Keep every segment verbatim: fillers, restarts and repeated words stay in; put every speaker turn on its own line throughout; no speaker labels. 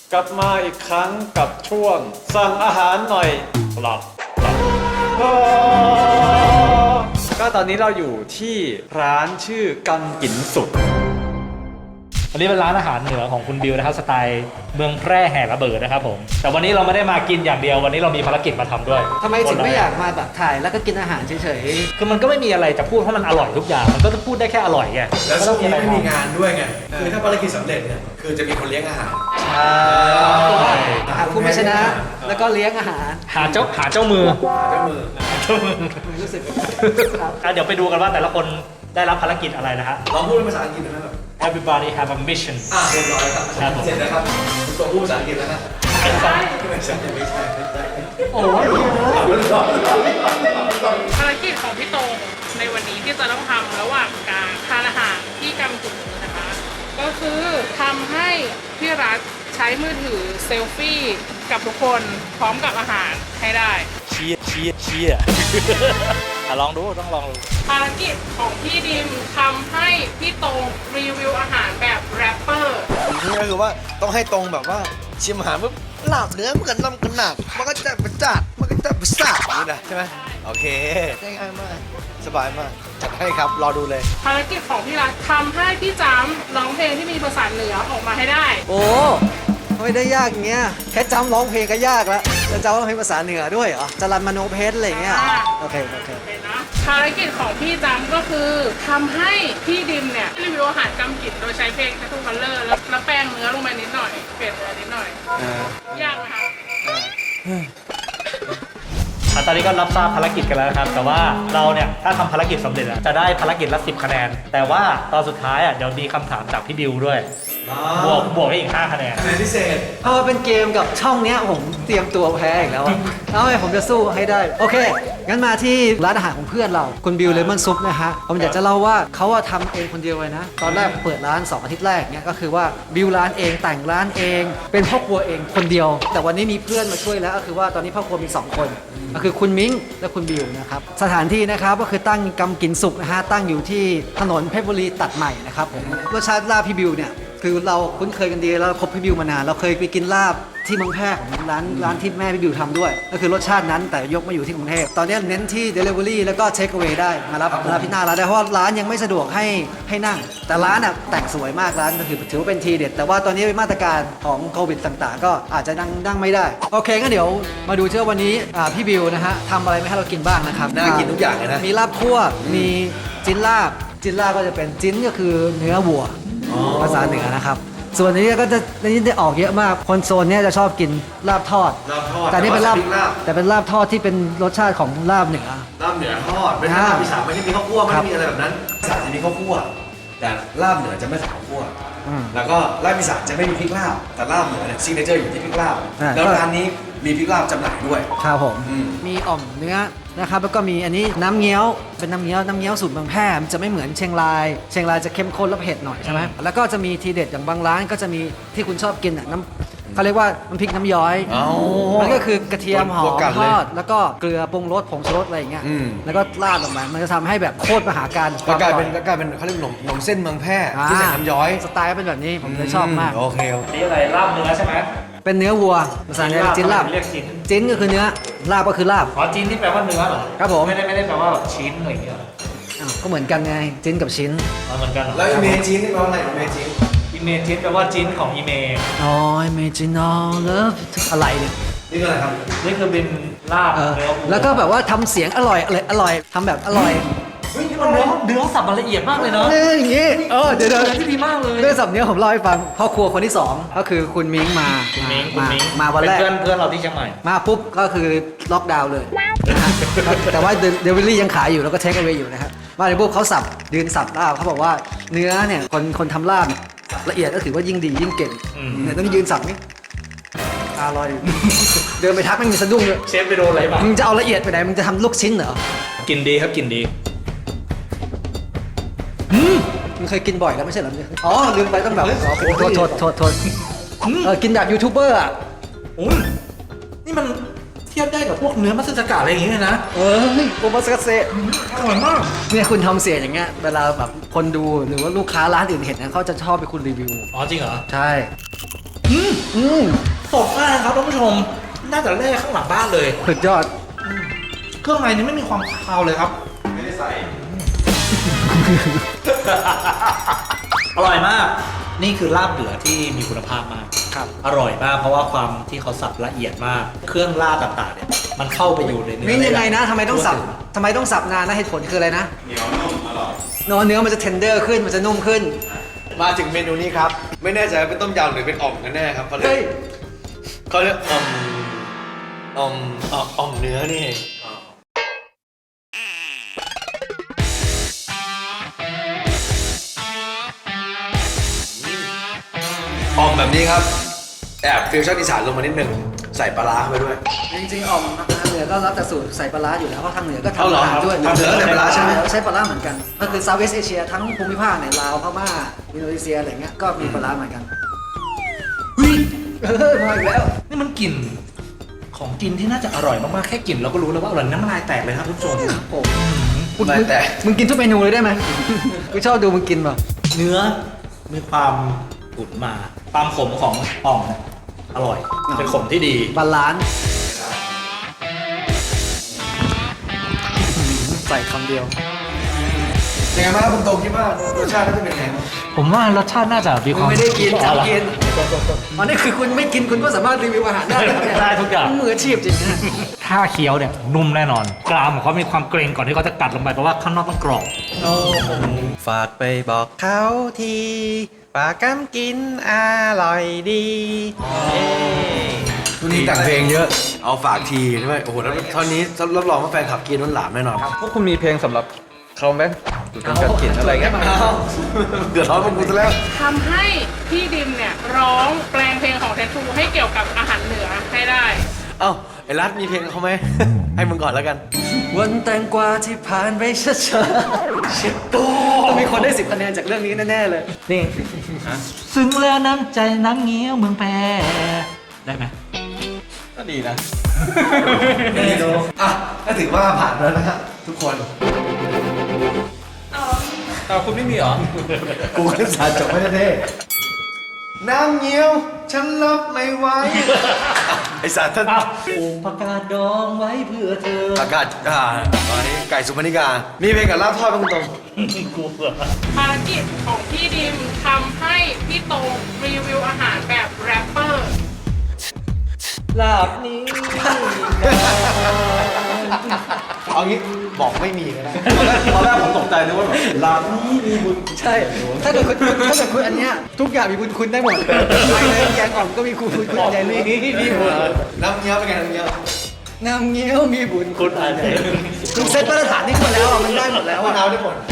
กลับมาอีกครั้งกับช่วงสั่งอาหารหน่อยหลับหลับก็ตอนนี้เราอยู่ที่ร้านชื่อกำกินสุก
อันนี้เป็นร้านอาหารเหนือของคุณบิวนะครับสไตล์เมืองแพร่แห่ระเบิดนะครับผมแต่วันนี้เราไม่ได้มากินอย่างเดียววันนี้เรามีภารกิจมาทำด้วย
ทำไมถึงไม่อยากมาแบบถ่ายแล้วก็กินอาหารเฉยๆ
คือมันก็ไม่มีอะไรจะพูดเพราะมันอร่อยทุกอย่างมันก็จะพูดได้แค่อร่อยไง
แล้วช่วงนี้ไม่มีงานด้วยไงคือถ้าภารกิจสำเร็จเนี่ยคือจะมีคนเลี้ยงอาหาร
ใช่
หาผู้ไม่ชนะแล้วก็เลี้ยงอาหาร
หาเจ้าหาเจ้ามือ
เจ้ามือ
เจ้ามือ
รู้สึก
เดี๋ยวไปดูกันว่าแต่ละคนได้รับภารกิจอะไรนะฮะ
ลองพูดเป็นภาษาอังกฤษได้ไหมครับ
Everybody have a mission
อ่ะเรียบร้อยครับเสร็จแล้วครับคุณตัวพูดภาษาอังกฤษแล้วนะ
ไม่ใช่
ไม่ใช่ไม่ใช่ไม่ใช่
โอ้ย
ภารกิจของพี่โตในวันนี้ที่จะต้องทำระหว่างการทานอาหารที่กำจุดนี้นะคะ ก็คือทำให้พี่รัฐใช้มือถือเซลฟี่กับทุกคนพร้อมกับอาหารให้ได้
เชียเชียเชียอ่ะลองดูต้องลองดู
ภารกิจของพี่ดิมทำให้พี่โตรีวิวอาหารแบบแรปเปอร์
นี่ก็คือว่าต้องให้ตรงแบบว่าชิมอาหารปุ๊บหลับเนื้อมันกันน้ำกันหนักมันก็จะเป็นจัดมันก็จะเป็นสับนี่นะใช่ไหมโอเคง่ายมากสบายมากจัดให้ครับรอดูเลย
ภารกิจของพี่รัฐทำให้พี่จำร้องเพลงที่มีภาษาเหนือออกมาให้ได้
โอ้ไม่ได้ยากอย่างเงี้ยแค่จำร้องเพลงก็ยากแล้วจะจำร้องเพลงภาษาเหนือด้วยเหรอจรันมโนเพชรอะไรเงี้ยโอเคโอเค
ภารกิจของพี่จำก็คือทำให้พี่ดิมเนี่ยรีวิวอาหารกำกินโดยใช้เพลง Tattoo Color แล้วแล้วแป้งเนื้อลงไปนิดหน่อยเปลี่ยนเนื้อนิดหน่อยยากไหมคะ
ตอนนี้ก็รับทราบภารกิจกันแล้วครับแต่ว่าเราเนี่ยถ้าทำภารกิจสำเร็จจะได้ภารกิจละสิบคะแนนแต่ว่าตอนสุดท้ายอ่ะเดี๋ยวมีคำถามจากพี่บิวด้วยบวกบวกให้อีกห้าคะแนน
คะแนนพิเศษ
พอเป็นเกมกับช่องเนี้ยผมเตรียมตัวแพ้อีกแล้วเอาไงผมจะสู้ให้ได้โอเคงั้นมาที่ร้านอาหารของเพื่อนเราคุณบิวเลมอนซุปนะฮะผมอยากจะเล่าว่าเขาว่าทำเองคนเดียวเลยนะตอนแรกเปิดร้านสองอาทิตย์แรกเนี่ยก็คือว่าบิวร้านเองแต่งร้านเองเป็นพ่อครัวเองคนเดียวแต่วันนี้มีเพื่อนมาช่วยแล้วก็คือว่าตอนนี้พ่อครัวมีสองคนก็คือคุณมิ้งและคุณบิวนะครับสถานที่นะครับก็คือตั้งกำกินสุกนะฮะตั้งอยู่ที่ถนนเพชรบุรีตัดใหม่นะครับผมรสชาติลาบพี่บิวเนี่ยคือเราคุ้นเคยกันดีแล้วคบพี่บิวมานานเราเคยไปกินลาบที่เมืองแพร่ของร้านร้านที่แม่พี่บิวทำด้วยก็คือรสชาตินั้นแต่ยกมาอยู่ที่กรุงเทพตอนนี้เน้นที่ Delivery แล้วก็ Take Away ได้มารับมารับที่หน้าร้านได้เพราะร้านยังไม่สะดวกให้ให้นั่งแต่ร้านอ่ะแต่งสวยมากร้านก็คือถือว่าเป็นทีเด็ดแต่ว่าตอนนี้เป็นมาตรการของโควิดต่างๆก็อาจจะนั่งนั่งไม่ได้โอเคงั้นเดี๋ยวมาดูเชื่อวันนี้พี่บิวนะฮะทำอะไรมาให้เรากินบ้างนะครับ
น่ากินทุกอย่างเลยนะ
มีลาบคั่วมีจิ้นลาบจิ้นลาบก็จะเป็นจิ้นก็คือเนื้อวัวภาษาเหนือนะครับส่วนนี้ก็จะนี่ได้ออกเยอะมากคนโซนนี้จะชอบกินลาบทอดแต่นี่เป็นลาบแต่เป็นลาบทอดที่เป็นรสชาติของลาบเหนือ
ลาบเหนือทอดเป็นลาบอีสานไม่ได้มีข้าวคั่วไม่ได้มีอะไรแบบนั้นอีสานจะมีข้าวคั่วแต่ลาบเหนือจะไม่ใส่ข้าวคั่วแล้วก็ลาบอีสานจะไม่มีพริกลาบแต่ลาบเหนือเนี่ยซิกเนเจอร์อยู่ที่พริกลาบแล้วร้านนี้มีพริกลาบจำหน่ายด้วย
ครับผมมีอ่อมเนื้อนะครับแล้วก็มีอันนี้น้ำเงี้ยวเป็นน้ำเงี้ยวน้ำเงี้ยวสูตรเมืองแพร่มันจะไม่เหมือนเชียงรายเชียงรายจะเข้มข้นและเผ็ดหน่อยใช่ไหมแล้วก็จะมีทีเด็ดอย่างบางร้านก็จะมีที่คุณชอบกินอ่ะน้ำเขาเรียกว่าน้ำพริกน้ำย้อยมันก็คือกระเทียมหอมทอดแล้วก็เกลือปรุงรสผงชูรสอะไรอย่างเงี้ยแล้วก็ราดลงมามันจะทำให้แบบโคตรมหาการ
ก็กลายเป็นก็กลายเป็นเขาเรียกขนมขนมเส้นเมืองแพร่ที่ใส่น้ำย้อย
สไตล์เป็นแบบนี้ผมเลยชอบมาก
โอเค
นี่อะไรลาบเนื้อใช่ไหม
เป็นเนื้อวัวภาษาเนี่ยจิ้นลาบ
เรียกจิ้น
จิ้นก็คือเนื้อลาบก็คือลาบ
อ๋อจิ้นที่แปลว่าเนื้อเหรอ
ครับผม
ไม่ได้ไม่ได้แปลว่าชิ้นอะไรอย่างเงี้ย
ก็เหมือนกันไงจิ้นกับชิ้น
เหมือนกัน
แล้วอีเมจินนี่แปลว่าอะไรอีเมจิน
อีเมจินแปลว่าจิ้นของอีเมย์
อ๋ออีเมจินอลเลิฟอะไรเนี่ย
นี่คืออะไรครับ
นี่คือเป็นลาบเนื้อ
แล้วก็แบบว่าทำเสียงอร่อยอร่อยอร่อยทำแบบอร่อย
เฮ้ยนี่มันเนื้อเนื้อสับมันละเอียดมากเลยเนาะ
เนี่ยอย่างงี้เออเดี๋ยวเดี๋ยว
ที่ดีมากเลย
เรื่องสับเนี้ยผมเล่าให้ฟังพ่อครัวคนที่สองก็คือคุณมิ้งมา
คุณมิ้งคุณมิ้ง
มาวันแรก
เพื่อนเพื่อนเราที่เชียงใหม่
มาปุ๊บก็คือล็อกดาวน์เลยแต่ว่าเดลิเวอรี่ยังขายอยู่แล้วก็เทคเอาไว้อยู่นะครับมาในปุ๊บเขาสับยืนสับลาบเขาบอกว่าเนื้อเนี่ยคนคนทำลาบละเอียดก็ถือว่ายิ่งดียิ่งเก่งเนี่ยต้องยืนสับนี่อร่อยเดินไปทักมันมีสะดุ้งเลย
เชฟไปโดนอะไรบ้าง
มึงจะเอาละเอียดไปไหนมึงจะทำลูกชิ้นเหรอ
กินดีครับกินดี
มึงเคยกินบ่อยแล้วไม่ใช่เหรออ๋อลืมไปต้องแบบโทษโทษโทษโทษเออกินแบบยูทูบเบอร์อ่ะ
อุ้ยนี่มันเทียบได้กับพวกเนื้อมัสสกะอะไรอย่างเงี้ยนะ
เออโอมัสกะเซ
อร่อยมาก
เนี่ยคุณทำเสียงอย่างเงี้ยเวลาแบบคนดูหรือว่าลูกค้าร้านอื่นเห็นนะเขาจะชอบไปคุณรีวิว
อ๋อจริงเหรอ
ใช่
อืม
อืม
สดมากครับท่านผู้ชม น่าจะแร่ข้างหลังบ้านเลย
สุดยอด
เครื่องในนี้ไม่มีความคาวเลยครับ
ไม่ได้ใส่
อร่อยมาก นี่คือลาบเหลือที่มีคุณภาพมาก
ครับ
อร่อยมากเพราะว่าความที่เขาสับละเอียดมาก เครื่องลาบต่างๆเนี่ยมันเข้าไปอยู่ในเนื้อ
นี่ยังไงนะทำไมต้องสับ
ทั่วถึ
ทำไมต้องสับนานนะเหตุผลคืออะไรนะ
เหนียวนุ่มอร่อย
เนื้อเนื้อมันจะเทนเดอร์ขึ้นมันจะนุ่มขึ้น
มาถึงเมนูนี้ครับ ไม่แน่ใจว่าเป็นต้มยำหรือเป็นอ่อมกันแน่ครับเขาเรีย
เฮ้
ก
ย
เขาเรียกอ่อมอ่อมอ่อมอ่อมเนื้อนี่เองอ่อมแบบนี้ครับ แอบฟิวชั่นอีสานลงมานิดนึงใส่ปลาร้าเข้าไปด้วย
จริงๆอ่อมทางเหนือก็รับแต่สูตรใส่ปลาร้าอยู่แล้วเพราะทางเหนือก็
เอา
ทำ
เหรอ
อาหารด้วย
ทางเหนือก็ใส่ปลาร้าใช่ไหม
ใช้ปลาร้าเหมือนกัน ก็คือเซาท์เวสเอเชียทั้งภูมิภาคในลาวพม่าอินโดนีเซียอะไรเงี้ยก็มีปลาร้าเหมือนกัน
เฮ้ย
เออมาอีกแล้ว
นี่มันกลิ่นของกินที่น่าจะอร่อยมากๆ แค่กลิ่นเราก็รู้แล้วว่าอร่อยน้ำลายแตกเลยครับทุกผู้ชม
โอ้
น้ำลายแตก
มึงกินทุกเมนูเลยได้ไหม กูชอบดูมึงกินแบบ
เนื้อมีความอุ่นมา ความขมของอ่อมเนี่ยอร่อย เป็นขมที่ดี
บาลานซ์ใส่คำเดียว
ยังไงบ้างครับคุณโตคิดว่ารสชาติน่าจะเป็นยังไงบ้าง
ผมว่ารสชาติน่าจะมีค
มึ
วาง ม
ไม่ได้กิน
อ๋อเหรอ
จำกินอ๋อนี่คือคุณไม่กินคุณก็สามารถรีวิวอาหารได้เหรอเนี่ย
ได้ทุกอย่าง
มึมืออาชีพจริงนะ
ถ้าเคี้ยวเนี่ยนุ่มแน่นอน กรามของเขามีความเกรงก่อนที่เขาจะกัดลงไปเพราะว่าข้างนอกต้องกรอบ
ฝากไปบอกเขาทีปลากัมกินอร่อยดีเอ้
วันนี้แต่งเพลงเยอะ เอาฝากทีด้วยโอ้โหแล้วตอนนี้รับรองว่าแฟนขับกินน้นหลามแน่นอน
พวกคุณมีเพลงสำหรับเขาไหมดูเป็นการกินอะไรเงี้ย
เดือดร้อนพวกกูซะแล้ว
ทำให้พี่ดิมเนี่ยร้องแปลงเพลงของแทนทูให้เกี่ยวกับอาหารเหนือให้ได้
เอ้าไอ้รัฐมีเพลงเขาไหม ให้มึงก่อนแล้วกัน
วันแตงกวาที่ผ่านไปช้าๆชิบโตต้องมีคนได้สิบคะแนนจากเรื่องนี้แน่ๆเลย
นี่ซึ้งแล้วน้ำใจน้ำเงี้ยวเมืองแพรได้ไหม
ก็ดีนะ
อ่ะก็ถือว่าผ่านแล้วนะฮะทุกคน
แต่คุณไม่มีเหรอ
กูก็สารจบไม่ได้เท่น้ำเงี้ยว ฉันรับไม่ไหวไอสารท่าน
อ้าวปลูกผักกาดดองไว้เพื่อเธอ
อากาศอ่าตอนนี้ไก่สุพรรณิกา มีเพลงกับลาบทอดเป็นคุณตรง
กูเบื่อ
ภารกิจของพี่ดิมทำให้พี่โตรีวิวอาหารแบบแรปเปอร์
ลาบนี้
เอางี้บอกไม่มีก็ได้
ตอนแรกผมตกใจนึกว่าแบบลาบนี้มีบุญ
ใช่ ถ้าเกิดคุณถ้าเกิดคุณอันเนี้ยทุกอย่างมีคุณคุณได้หมดไปเลยแกงอ่อมก็มีคุณคุณใหญ่นี่มีบุญ
น้ำเงี้ยวเป็นไงน้ำเงี้ยว
น้ำเงี้ยวมีบุญ
คุณอ่านเอง
คุณเซ็ตมาตรฐานนี่หมดแล้วอ่ะมันได้หมดแล้ว
มะ
อ่ะ
นาวได้หมด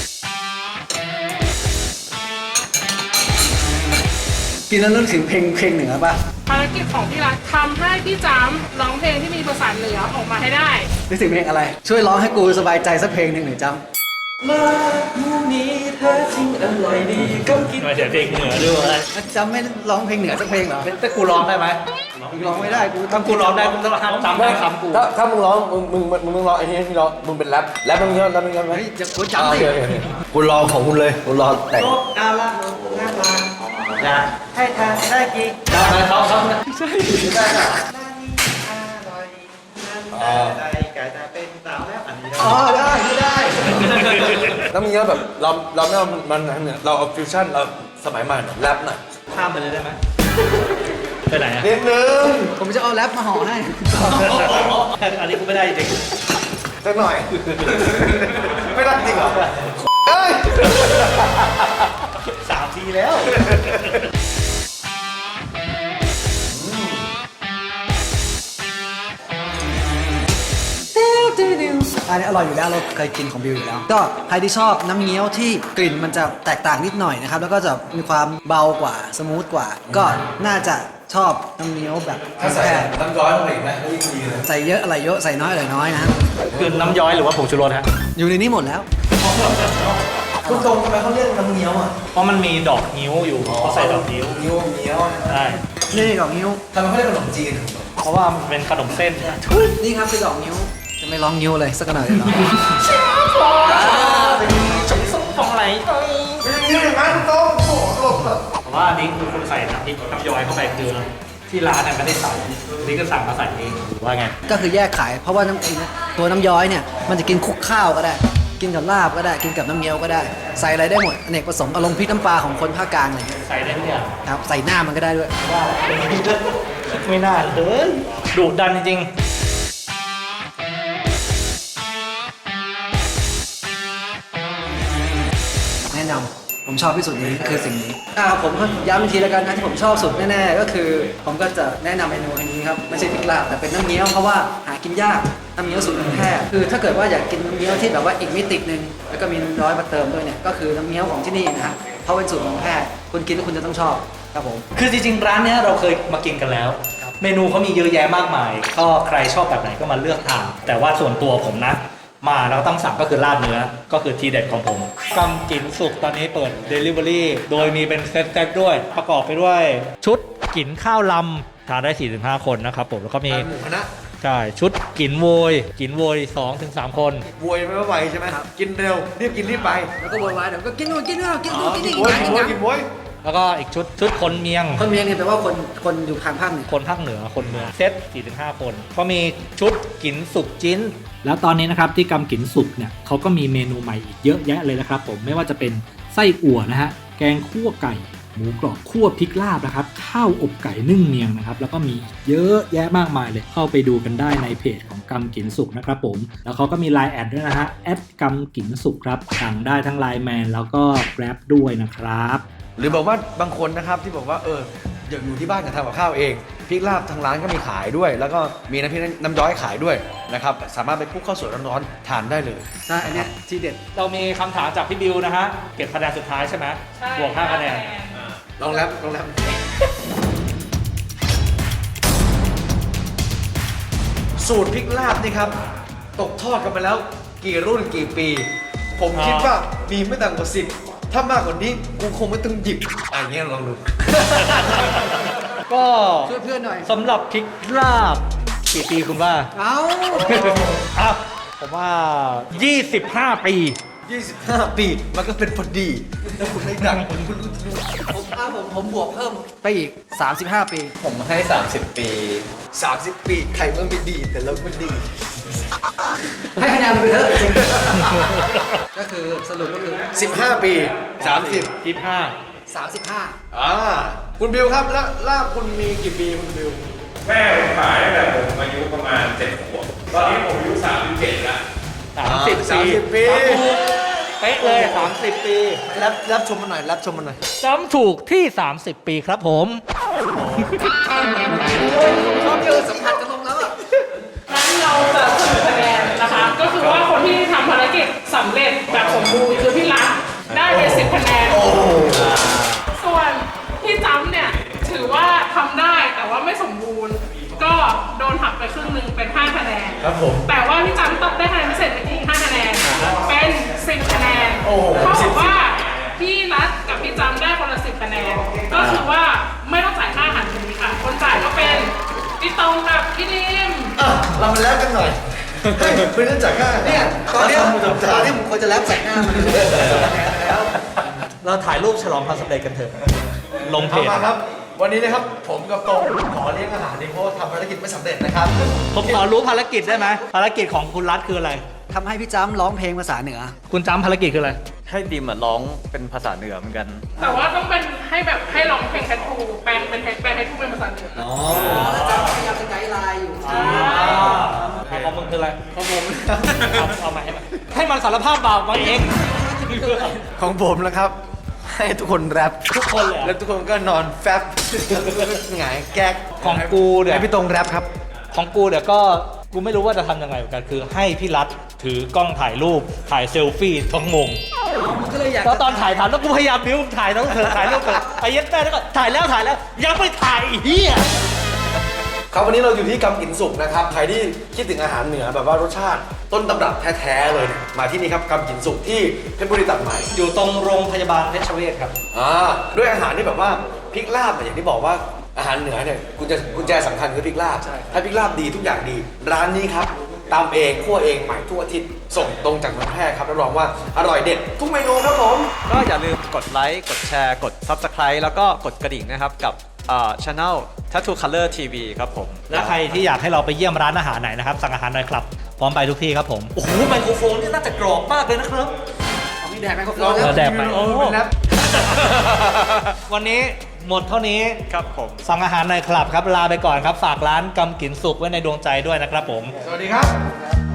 กินแล้วนึกถึงเพลงเพลงเหนือป่ะ
ภารกิจของพี่รัฐทำให้พี่จำร้องเพลงที่มีภาษาเหนือออกมาให้ได้
นึกถึงเพลงอะไร ช่วยร้องให้กูสบายใจสักเพลงหนึ่งหน่อยจ
ลาบนี้แท้จริงอร่อยดีกัมกิน
มาเดี๋ยวเพลงเหนือด้วย
ำจำไม่ร้องเพลงเหนือสักเพลงเหรอ
แต่กูร้องได้ไหม
ร้องไม่ได้กู
ถ้ากูร้องได้กูต้องห้ามจำได้คำกู
ถ้าถ้ามึงร้องมึงมึงมึงมึงร้องไอ้นี่ที่ร้องมึงเป็นแรปแรปมึงเยอะแรปมึงเยอะไหม
เฮ้ยจะกูจำสิ
คุณรอของคุณเลยคุณรอแต่ง
อาลาโนนาลาอยากให้ทานได้กี่
ได้ไหมเขาเขา
นานี้อร่อยนั่นได้ไก่แต่เป็นสาวแล้วอันนี้ได้
อ๋อได้ไม่ได้
แล้วมึงเยอะแบบเราเราไม่เอามันเนี่ยเราเอาฟิวชั่นเราสมัยใหม่หน่อยแรปหน่อย
ข้ามไปเลยได้ไหมไปไหนอ่ะ
นิดนึง
ผมจะเอาแรปมาห่อให้
อันนี้กูไม่ได้จริง
สักหน่อย ไม่ได้จริงเหรอเอ้ย
สามทีแล้ว
อันนี้อร่อยอยู่แล้วเราเคยกินของบิวอยู่แล้ว ก็ใครที่ชอบน้ำเงี้ยวที่กลิ่นมันจะแตกต่างนิดหน่อยนะครับ แล้วก็จะมีความเบากว่าสมูทกว่า ก็น่าจะชอบน้ำเงี้ยวแบบ
ถ้าใส่
แค่
น้ำย้อยลงไปอีกนะยิ่งดีเลย
ใส่เยอะอะไรเยอะใส่น้อยอะไรน้อยนะ
คือน้ำย้อยหรือว่าผงชูรสฮะ
อยู่ในนี้หมดแล้ว
คุณตรงทำไมเขาเรียกน้ำเงี้ยวอ่ะ
เพราะมันมีดอกนิ้วอยู่เขาใส่ดอกนิ้ว
เงี้ยวเงี้ยว
ใช่
นี่ดอกนิ้ว
ทำไมเขาเรียกขนมจีน
เพราะว่ามันเป็นขนมเส้น
นี่ครับคือดอกนิ้ว จะไม่ร้องนิ้วเลยสักหน่อยเลยเหรอ
จงส่งของไหล
ไม่ใช่เงี้ยวอย่างนั้นคุณตรงโอ้โหหลบเถอะ
ราะว่าอันนี้คือคุณใส่น้ำพริกน้ำย้อยเข้าไปคือที่ร้านเนี่ยไม่ได้ใส่นี่ก็สั่งมาใส่เองหรือว่าไง
ก็คือแยกขายเพราะว่าน้ำไอ้นะตัวน้ำย้อยเนี่ยมันจะกินคลุกข้าวก็ได้ กินกับลาบก็ได้กินกับน้ำเงี้ยวก็ได้ใส่อะไรได้หมดอเนกประสงค์อารมณ์พริกน้ำปลาของคนภาคกลางอะไรเงี้ย
ใส่ได้ทุกอย่าง
ครับใส่หน้ามันก็ได้ด้วย
ว่าไม่น่าเลยดุดันจริงๆ
แนะนำผมชอบที่สุดนี้คือสิ่งนี้อ่าผมก็ย้ำอีกทีแล้วกันนะที่ผมชอบสุดแน่ๆก็คือ ผมก็จะแนะนำเมนูอันนี้ครับไม่ใช่พริกลาบแต่เป็นน้ำเงี้ยวเพราะว่าหากินยากน้ำเงี้ยวสูตรแพร่คือถ้าเกิดว่าอยากกินน้ำเงี้ยวที่แบบว่าอีกมิติหนึ่งแล้วก็มีน้ำร้อยมาเติมด้วยเนี่ยก็คือน้ำเงี้ยวของที่นี่นะฮะเพราะเป็นสูตรของแพร่คุณกินแล้วคุณจะต้องชอบครับผม
คือจริงๆร้านเนี้ยเราเคยมากินกันแล้ว เมนูเขามีเยอะแยะมากมายก็ใครชอบแบบไหนก็มาเลือกทานแต่ว่าส่วนตัวผมนะมาแล้วต้องสั่งก็คือลาบเนื้อก็คือทีเด็ดของผมกำกินสุกตอนนี้เปิด Delivery โดยมีเป็นเซตๆด้วยประกอบไปด้วย ชุดกินข้าวลำทานได้ สี่ถึงห้า คนนะครับผมแล้วก็มี
หมูคณะ
ใช่ชุดกินโวยกินโวย สองถึงสาม คน
บวยไม่ไหวใช่ไหมครับกินเร็วรีบกินรีบไป
แล้วก็โวยวายเดี๋ยวก็กินนู่นกินนี่กิน
อ๋
นู่
อน
กิน
กิน
นี่
บวย
กิ
กิ
น
นบวย
นั่น
กินบวย
แล้วก็อีกชุดชุดคนเมียง
คนเมียงเนี่ยแปลว่าคนคนอยู่ทางภาคเหนือ
คนภาคเหนือคนเมืองเซต สี่ถึงห้า คนก็มีชุดกินสุกจิ้น แล้วตอนนี้นะครับที่กำกินสุกเนี่ยเขาก็มีเมนูใหม่อีกเยอะแยะเลยนะครับผมไม่ว่าจะเป็นไส้อั่วนะฮะแกงคั่วไก่หมูกรอบคั่วพริกลาบนะครับข้าวอบไก่นึ่งเมียงนะครับแล้วก็มีเยอะแยะมากมายเลยเข้าไปดูกันได้ในเพจของกำกินสุกนะครับผมแล้วเขาก็มี ไลน์ แอดด้วยนะฮะแอดกำกินสุกครับสั่งได้ทั้ง ไลน์ แมนแล้วก็ Grab ด้วยนะครับ
หรือบอกว่าบางคนนะครับที่บอกว่าเอออยากอยู่ที่บ้านจะทำกับข้าวเองพริกลาบทางร้านก็มีขายด้วย แล้วก็มีน้ำพริกน้ำย้อยขายด้วยนะครับสามารถไปคลุกข้าวสวยร้อนๆทานได้เลย
ใช่อันเนี้ยที่เด็ด
เรามีคำถามจากพี่บิวนะฮะเก็บคะแนนสุดท้ายใช่ไหม
ใช่
บวกห้าคะแนน
ลองแรปลองแรปสูตรพริกลาบนี่ครับตกทอดกันมาแล้วกี่รุ่นกี่ปี ผมคิดว่ามีไม่ต่ำกว่าสิบถ้ามากกว่านี้กูคงไม่ต้องหยิบอะไรเงี้ยลองดู
ก็
ช่วยเพื่อนหน่อย
สำหรับพริกลาบกี่ปีคุณว่า
เอ้า
อ่ะผมว่า ยี่สิบห้า ปี
ยี่สิบห้า ปีมันก็เป็นพอดีแล้วคุณได้ดังคุณคุณรู้
ผมถ้าผมผมบวกเพิ่มไปอีก สามสิบห้า ปี
ผมให้ สามสิบ ปี
สามสิบปีใครมันไม่ดีแต่เราก็ดี
ให้คะแนนมันไปเถอะจริงก็คือสรุปก็คือ
สิบห้า ปีสามสิบ
ยี่สิบห้า
สามสิบห้า
อ่าคุณบิวครับแล้วลาบคุณมีกี่ปีคุณบิว
แม่ผมขายตั้งแต่ผมอายุประมาณเจ็ดขวบ ตอนนี้ผมอายุสามสิบเจ็ดแล้ว
สามสิบ
สามสิบปี
เป๊ะเลย สามสิบ ปี
รับรับชมมาหน่อยรับชมมาหน่อย
จำถูกที่ สามสิบ ปีครับผม
ชอบเยอะสัมผัสกันลงแล้วอ่ะ
งั้นเราจะสรุปคะแนนนะคะ ก็คือว่าคนที่ทำภารกิจสำเร็จแบบสมบูรณ์คือพี่รักได้ไปสิบคะแนน ส่วนพี่จำเนี่ยถือว่าทำได้แต่ว่าไม่สมบูรณ์ ก็โดนหักไปครึ่งหนึ่งเป็นห้าคะแนน
ครับผม
แต่ว่าพี่จำต้องได้คะแนนพิเศษไปอีกห้าคะแนน เป็นสิบคะแนน
โอ้โห
เท่ากับว่าพี่รัฐกับพี่จำได้คนละสิบคะแนน ก็คือว่าไม่ต้องจ่ายค่าอาหารมื้อนี้ค่ะ คนจ่ายก็เป็นพี่ตรงกับพี่ดิม
อ่ะเรามาแล้วกันหน่อยเฮ้ยเป็นเรื่องจากค่า
เนี่ยตอนเนี้ยตอนที่ผมควรจะแรปใส่หน้ามันเลยแล้ว
เราถ่ายรูปฉลองความสำเร็จกันเถอะ ลงเพ
เอา
จ
มาครับ วันนี้นะครับผมกับตรงขอเลี้ยงอาหารนี่เพราะว่าทำภารกิจไม่สำเร็จนะครับ
ผมขอรู้ภารกิจได้ไหมภารกิจของคุณรัฐคืออะไร
ทำให้พี่จ้ำร้องเพลงภาษาเหนือ
คุณจำภารกิจคืออะไร
ให้ดิมอะร้องเป็นภาษาเหนือเหมือนกัน
แต่ว่าต้องเป็นให้แบบให้ร้องเพลงแคททูแปลงเป็นแปลงให้ทูเป็นภาษาเหนือ
อ๋อแล้วจ้ำพยายามจะไกด์ไลน์อยู่
ของมึงคืออะไรของผมเอาเอามาให้มันให้มันสารภาพบาปมาเอง
ของผมนะครับ ให้ทุกคนแรป
ทุกคนเลยเหรอ
แล้วทุกคนก็นอนแฟบหงายแก๊ก
ของกูเนี่ย
ให้พี่ตรงแรปครับ
ของกูเดี๋ยวก็กูไม่รู้ว่าจะทำยังไงเหมือนกันคือให้พี่รัฐถือกล้องถ่ายรูปถ่ายเซลฟี่ทั้งวง
ก็เลยอยาก
แล้วตอนถ่ายถามแล้วกูพยายามบิ้วถ่ายแล้วเถอะถ่ายแล้วเถอะไปเย็ดแม่แล้วก็ถ่ายแล้วถ่ายแล้วยังไม่ถ่ายอีกเฮีย
ครับวันนี้เราอยู่ที่กำกินสุกนะครับใครที่คิดถึงอาหารเหนือแบบว่ารสชาติต้นตำรับแท้ๆเลยเนี่ยมาที่นี่ครับกำกินสุกที่เพชรบุรีตัดใหม่
อยู่ตรงโรงพยาบาลเพชรเวชครับ
อ่าด้วยอาหารที่แบบว่าพริกลาบเนี่ยอย่างที่บอกว่าอาหารเหนือเนี่ยกุญแจกุญแจสำคัญคือพริกลาบถ้าพริกลาบดีทุกอย่างดี ร้านนี้ครับตำเองคั่วเองใหม่ทุกอาทิตย์ส่งตรงจากเมืองแพร่ครับรับรองว่าอร่อยเด็ดทุกเมนูครับผม
ก็อย่าลืมกดไลค์กดแชร์กด Subscribe แล้วก็กดกระดิ่งนะครับกับอ่า Channel Tattoo Color ที วี ครับผม
และใครที่อยากให้เราไปเยี่ยมร้านอาหารไหนนะครับสั่งอาหารหน่อยครับพร้อมไปทุกที่ครับผมโอ้โหไมโครโฟนนี่น่าจะกรอบมากเลยนะครับ
มีแดกไมโครโฟ
เออแดกไป
โอ้เป็นแรป
วันนี้หมดเท่านี้
ครับผม
สั่งอาหารหน่อยครับครับลาไปก่อนครับฝากร้านกำกินสุกไว้ในดวงใจด้วยนะครับผม
สวัสดีครับ